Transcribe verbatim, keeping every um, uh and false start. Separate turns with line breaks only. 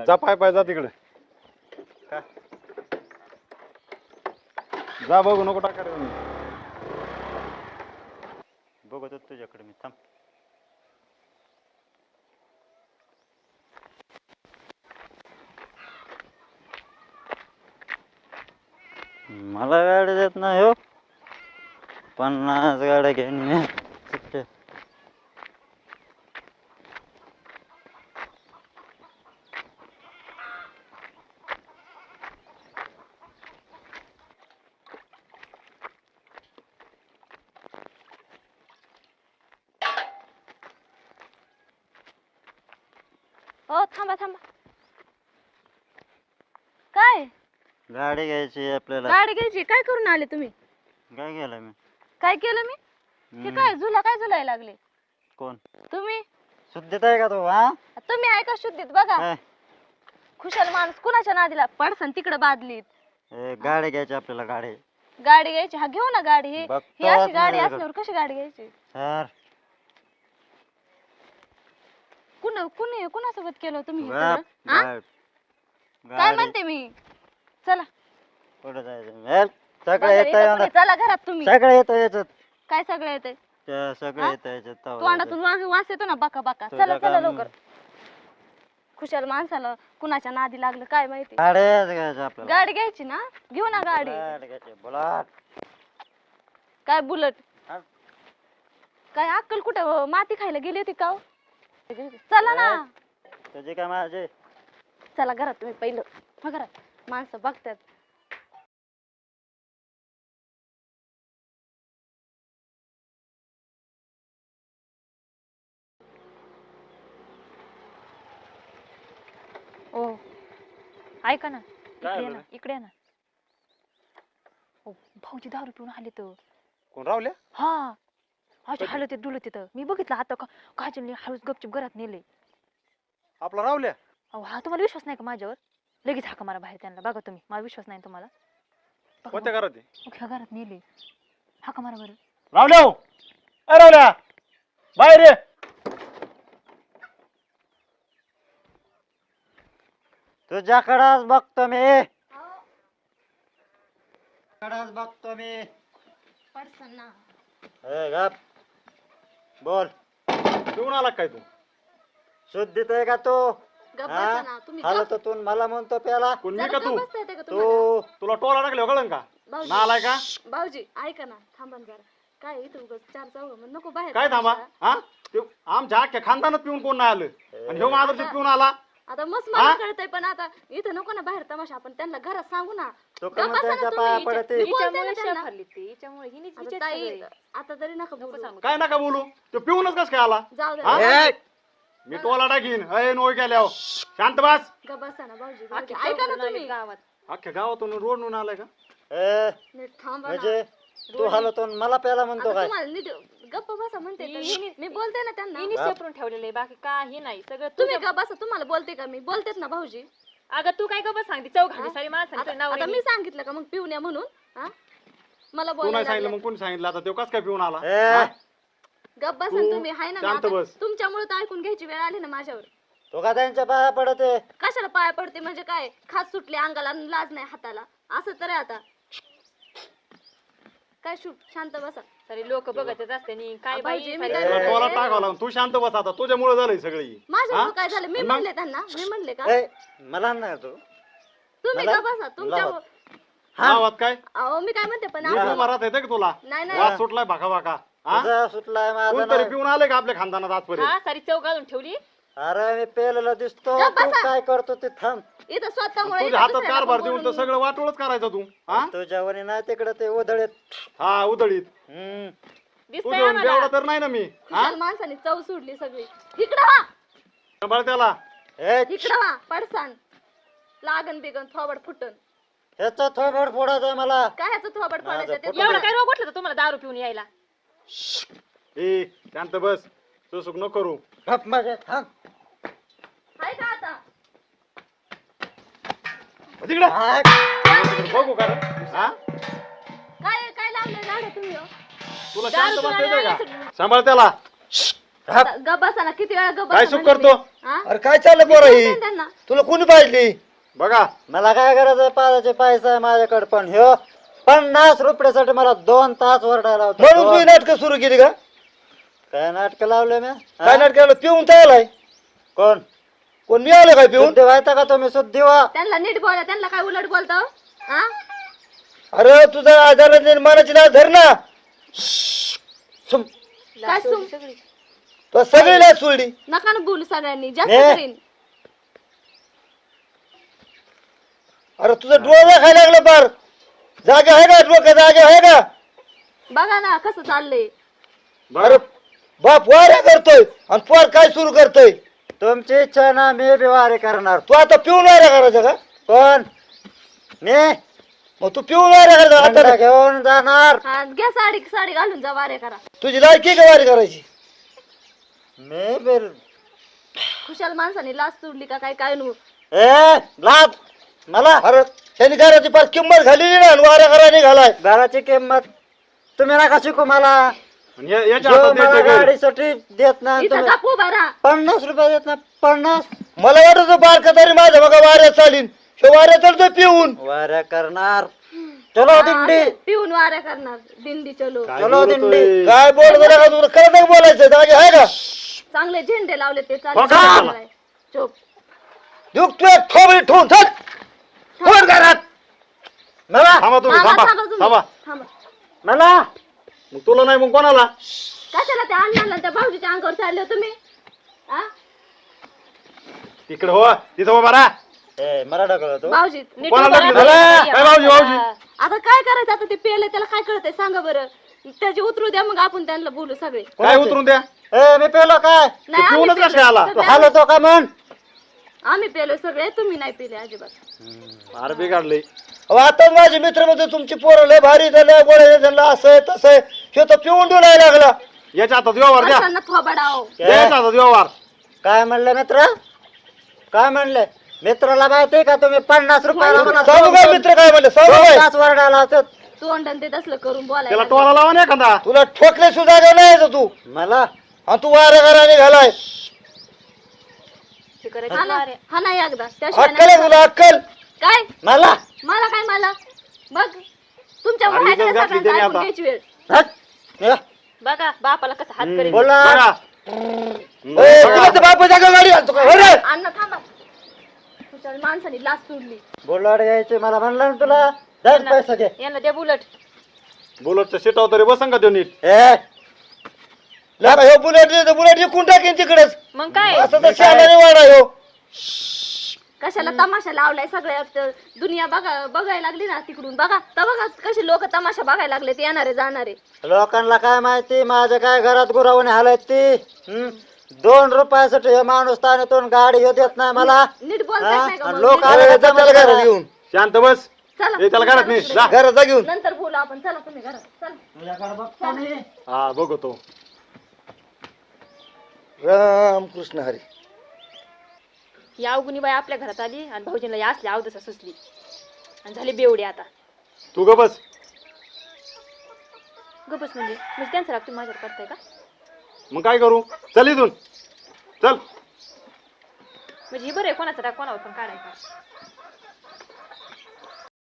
जा पाय पाय जा तिकडे
का?
जा बघू नको टाका रे
बघत होतो तुझ्याकडे मी थांब. मला गाडी देत नाही हो. पन्नास गाड्या घेऊन मी सुट्टे.
हो थांबा थांबा. काय
गाडी घ्यायची आपल्याला.
गाडी घ्यायची? काय करून आले तुम्ही?
काय केलं मी?
काय केलं मी? हे काय झुला काय झुलाय लागले?
कोण?
तुम्ही.
शुद्धीत आहे का तू? हा
तुम्ही आहे का शुद्धीत? बघा
काय?
खुशाल माणूस कुणाच्या नादीला पडसन तिकडे बादलीत.
ए, गाडी घ्यायची आपल्याला. गाडी
गाडी घ्यायची? हा घेऊ ना गाडी. ही
बघतो
ही अशी गाडी
आपल्याला.
असल्यावर कशी गाडी घ्यायची?
सर
कुण कुणी कुणासोबत केलं तुम्ही हे
बाप,
सगळं? हा?
बाप.
काय
गाडी
म्हणते मी? चला
कुठं जायचं? ए,
बघा,
सगळं येतं
इथं कुणी-
याच्यात.
चला घरात तुम्ही.
सगळं येतं याच्यात.
काय सगळं येते?
त्या सगळं
हा?
येतं याच्यात. तवा
तोंडातून
येतं.
वास वास येतो ना बाका बाका.
तुझं
चला चला
काम-
लवकर. खुशाल माणसाला कुणाच्या नादी लागलं काय माहिती.
गाड्याच घ्यायच्या आपल्याला.
गाडी घ्यायची ना? घेऊ ना गाडी.
गाडी घ्यायची. बुलेट.
काय बुलट?
हा?
काय अक्कल कुठं माती खायला गेली होती का हो? चला ना.
तुझी काय माझी?
चला घरात तुम्ही पहिलं. हा, घरात माणसं बघतात.
ओ ऐका ना,
काय
इकडे ये
झालं?
ना, इकडे ये ना. ओ भाऊजी दारू पिऊन आले तर.
कोण रावल्या
हा असे हालत ते डुलत तिथं. मी बघितलं आता का काजलने हळूच गपचूप घरात नेले.
आपला रावल्या
अहो हा तुम्हाला विश्वास नाही का माझ्यावर? लगेच हाका मारा बाहेर त्यांना. बघा तुम्ही, मला विश्वास नाही तुम्हाला. बघा,
कोणत्या घरात आहे?
मग ह्या घरात नेले. हाका मारा बरं.
रावल्या हो. ए रावल्या बाहेर ये.
तुझ्याकडंच बघतो मी. कडंच बघतो मी.
पडसन ना.
ए, गप. बोल.
पिऊन आला काय तू?
शुद्धीत आहे का तू?
गप्प
हा?
बसा ना तुम्ही.
हालत होतून मला म्हणतो प्याला.
कोण मी
जरा
का
गप्प
तू?
बसता येते का तुम्हाला?
तू
तुला टोला टाकले कळन का?
भाऊजी.
नालाय का?
भाऊजी ऐका ना, थांबा ना जरा. काय इथं उगाच चार चौघ मग नको बाहेर.
काय थांबा
तमाशा.
हा ते आमच्या अख्ख्या खानदानात पिऊन कोण नाही आलं आणि ह्यो माधुरी पिऊन आला.
आता मस्त
हा?
मला कळतंय पण आता इथं नको ना बाहेर तमाशा. आपण त्यांना घरात सांगू ना.
तो
गप्प
का
बसा ना
त्यांच्या
तुम्ही.
पाया
हिच्या-
पडते.
मी बोलते ना
हिच्यामुळे
त्यांना.
शेफ हल्ली ती. हिच्यामुळे हिनेच
आता
हिचेच
ताई
सगळे.
आता तरी नका
नको
बोलू.
सांगू.
काय नका बोलू तो पिऊनच कस काय आला?
जाऊ
हा?
दे.
ए, मी टोला टाकीन. अय नोय केल्यावर शांत बस.
गप्प बसा ना भाऊजी.
अख्खे
भाऊजी, ऐका ना
चौघजण आले
तुम्ही.
गावात.
अख्ख्या गावातून रोडून आलाय का?
ए,
नीट थांबा ना.
म्हणजे तू हालतो मला प्याला म्हणतो
आता
काय?
तुम्हाला नीट गप्प बसा म्हणते तर.
हिने-
मी बोलते ना त्यांना.
हिने सेपरून ठेवलेले बाकी काही नाही. सगळं
तुम्ही
तुझ्या-
गप्प बसा. तुम्हाला बोलते का मी? बोलतेच ना भाऊजी.
अगं तू काय गप्प सांगते? चौघांची
हा?
सारी माणसं
आता
नाव
आता मी सांगितलं का मग पिऊन या म्हणून? हा? मला
तू नाही
बोलायला
सांगितलं
लागलं.
मग कोणी सांगितलं आता तो कस काय पिऊन आला?
ए,
हा?
गप्प बसा
तू
ना तुम्ही. हाय ना मी
शांत
आता.
बस.
तुमच्यामुळे तर ऐकून घ्यायची वेळ आली ना माझ्यावर.
तो का त्यांच्या पाया पडते?
कशाला पाया पडते म्हणजे काय? खास सुटली अंगाला आणि लाज नाही हाताला. असं तर आहे आता. काय शूट शांत बसा.
सारी लोक बघतच असते नी. काय बाई
भाऊजी, मी
सारी-
काय
तुला
म्हणते?
टोला टाकावा लागून तू शांत बस आता. तुझ्यामुळे झालंय सगळी.
माझ्यामुळे
हा?
काय झालं? मी
मग?
म्हणले त्यांना. मी म्हणले का?
ए, मला नाही तू.
तुम्ही
मला-
का बसा तुमच्या.
लावत.
गावात काय
अहो मी काय म्हणते पण
नीट
आपण-
उभा राहता येतं का तुला?
नाही नाही.
वास सुटलाय भाका भाका. हा?
तुझा सुटलाय माझा
कोणतरी
नाही.
पिऊन आले का आपल्या खानदानात आजपर्यंत?
हा सारी चौघ घालून ठेवली.
अरे मी पेलेला दिसतो.
गप्प
तू
बसा.
काय करतो ते थांब.
इथं स्वतःमुळे
तुझ्या
इथं
हातात
दुसऱ्याला
कारभार
पण
देऊन तर
बोलून-
सगळं वाटोळच करायचं तू. हा
तुझ्यावर नाही तिकडे ते उधळेत.
हा उधळीत
हम्म.
दिसतंय
तुझ्या
आम्हाला.
बेवडा तर नाही ना मी. हा
खुशाल माणसाने चव सोडली सगळी. इकडं वा.
सांभाळ त्याला.
ए,
इकडं वा. पडसान लागन बिगन थोबड फुटन.
ह्याचा थोबड फोडायचा आहे मला.
काय ह्याचं थोबड
माझं
पडायचं ते
फुटन.
एवढं काय रोग उठलं होतं तुम्हाला दारू पिऊन यायला?
ए शांत बस. सुसुक नको करू.
गप माझ्या थांब.
हाय का आता?
तिकडे
हाय.
बघू का रे? हा
काय काय लावलंय झाडं तुम्ही हो?
तुला
दारू
शांत
पिऊन
बसता येतंय
आल्यावर
का? सांभाळ त्याला.
आता गप बसा ना, किती वेळा गप
काय
बसा
सुख
म्हणले
करतो?
मी. हा?
अरे काय चाललं पोरा
विचारते
ही
ना त्यांना.
तुला कोणी पाहिली
बघा
मला काय गरज आहे पाजाचे पैसा आहे माझ्याकडे, पण ह्यो पन्नास रुपयासाठी मला दोन तास वरडायला होता.
म्हणून
दोन.
तू नाटक सुरू केली का
काय नाटक लावले मी
काय
हा?
नाटक पिऊन तर आलाय
कोण
कोण मी आलं काय पिऊन
शुद्धी व्हायचा का तुम्ही शुद्धी व्हा.
त्यांना नीट बोला, त्यांना काय उलट बोलतो हा?
अरे तुझा आधार मनाची लाच धर ना सुम.
काय सुम
तो सगळी लाच सोडली
नका ना बोलू सगळ्यांनी, जास्त
ने.
करीन.
अरे तुझं डोळा खायला लागलं पार जागे आहे का डोकं जागे आहे का
बघा ना कसं चाललंय.
अरे बाप वाऱ्या करतोय आणि पोर काय सुरू करतोय
तुमची इच्छा ना मी बी वारी करणार.
तू आता पिऊन वाऱ्या करायचं का
कोण मी
मग तू पिऊन वाऱ्या करायचं
थंडा
आता
घेऊन जाणार.
हा घ्या साडी साडी घालून जा, वारे करा.
तुझी लायकी का वारी करायची
मी बी
खुशाल माणसाने लाच सोडली का काय काय नु.
ए लाभ मला
अरे त्यांनी घराची पार किंमत घालेली ना आणि वाऱ्या करायला घालाय
घराची किंमत तुम्ही नका शिकू मला.
आणि या- याच्या
जो
हातात
मला
द्यायचं घर.
गाडीसाठी देत नाही
इथं
तुम्ही
गप उभा राहा.
पन्नास रुपये देत ना पन्नास
मला वाटत बारका तरी माझ्या बघा वाऱ्या चालीन हे वाऱ्या चालतोय पिऊन
वाऱ्या करणार. चलो
हा,
दिंडी
असं पिऊन वाऱ्या करणार. दिंडी चलो.
काय
चलो
बोलतोय?
दिंडी.
काय बोल जरा का तुला खरं नाही बोलायचं जागे आहे का
चांगले झेंडे लावले ते
हो का?
चालू. चोप.
दुख तू एक थोबडी ठेवून थक फोन घरात
मला
थांबा तुम्ही
थांबा,
थांबा
थांबा तुम्ही.
थांबा
थांबा.
मला
मग तुला नाही मग कोणाला
कशाला त्या अण्णाला त्या भाऊजीच्या अंगावर चालले हो तुम्ही हा?
तिकडे हो तिथं उभा राहा.
ए मला ढकलतो
भाऊजी नीट
कोणाला
उभा
लागली
राहा.
झालं? काय भाऊजी भाऊजी
आता काय करायचं, आता ते पेले त्याला काय कळतंय सांगा बरं. त्याची उतरू द्या, मग आपण त्यांना बोलू सगळे.
काय उतरून द्या
ए मी पेलो काय
नाही, आम्ही
पिऊनच
पेलोय.
कशा आला?
तू
सगळे
हालतो का म्हण
आम्ही पेलोय सगळे, तुम्ही नाही पेले अजिबात.
फार बिघडलंय.
अहो, आता माझे मित्र म्हणजे तुमची पोरं लय भारी झालं गोळ्या झालं असं आहे तसं आहे हे तर पिऊन डोलायला लागला
याच्या हातात व्यवहार द्या
माणसांना थोबाडाव.
द्या याच्या हातात व्यवहार.
काय म्हणले मित्र काय म्हणले मित्राला माहिती का तुम्ही पन्नास रुपयाला मला
सांगू काय मित्र काय म्हणले सांगू काय
तास वरडायला होतात.
तोंड ते तसलं करून
त्याला
बोलायला.
टोला लावा ना एखादा.
तुला ठोकले सुद्धा का नाही यायचं तू
मला
आणि तू वाऱ्या घराने घालाय
हे करायचं
हा ना,
वाऱ्या.
हा नाही एकदा त्याशिवाय
अक्कल आहे
नाही.
तुला अक्कल
काय
मला
मला काय मला बघ तुमच्या
अरे,
वयाच्या
इज्जत घातली
सगळ्यांचं
त्याने
ऐकून
आता.
घ्यायची वेळ.
हट. या.
बघा बापाला कसं हात करेल.
बोला
बघा.
ए, तुला तर बापा जागा गाडी आणतो का? हो रे?
अण्णा थांबा. तुमच्या माणसाने लाच सोडली.
बोलाड यायचे मला म्हणलं ना तुला दर पैसा घे
यांना द्या बुलट.
बुलेटच्या सीटावर तरी बसन का त्यो नीट.
ए
लका ह्यो बुलेट दे, बुलेट विकून टाकेन तिकडेच
मग काय
असं तर शहाणाने वाडा ह्यो
कशाला तमाशा लावलाय सगळ्यात. दुनिया बघा बघायला लागली ना तिकडून. बघा तर बघा कसे लोक तमाशा बघायला लागले, ते येणारे जाणारे.
लोकांना काय माहिती माझ्या काय घरात गुरावणे हालत ती हं? दोन रुपयासाठी हे माणूस तानेतून गाडी घेऊ देत नाही मला.
नीट बोलता
हा?
येत नाही का
आणि
मग?
लोक
नीट-
आले
अरे,
का
जा त्याला घरात घेऊन
शांत बस.
चला
हे त्याला घरात नाही जा.
घरात जा घेऊन
नंतर बोलू आपण. चला तुम्ही घरात. चला.
तुझ्याकडे बघतो मी.
हा बघतो.
राम कृष्ण हरी
या अवगुणी बाई आपल्या घरात आली आणि भाऊजींना या असल्या अवदसा सुचली आणि झाली बेवडी आता.
तू ग बस.
गपच म्हणजे म्हणजे त्यांचा राग तुम्ही माझ्यावर करताय का?
मग काय करू चल इथून चल.
म्हणजे हे बरं आहे कोणाचा राग कोणावर पण काढायचा.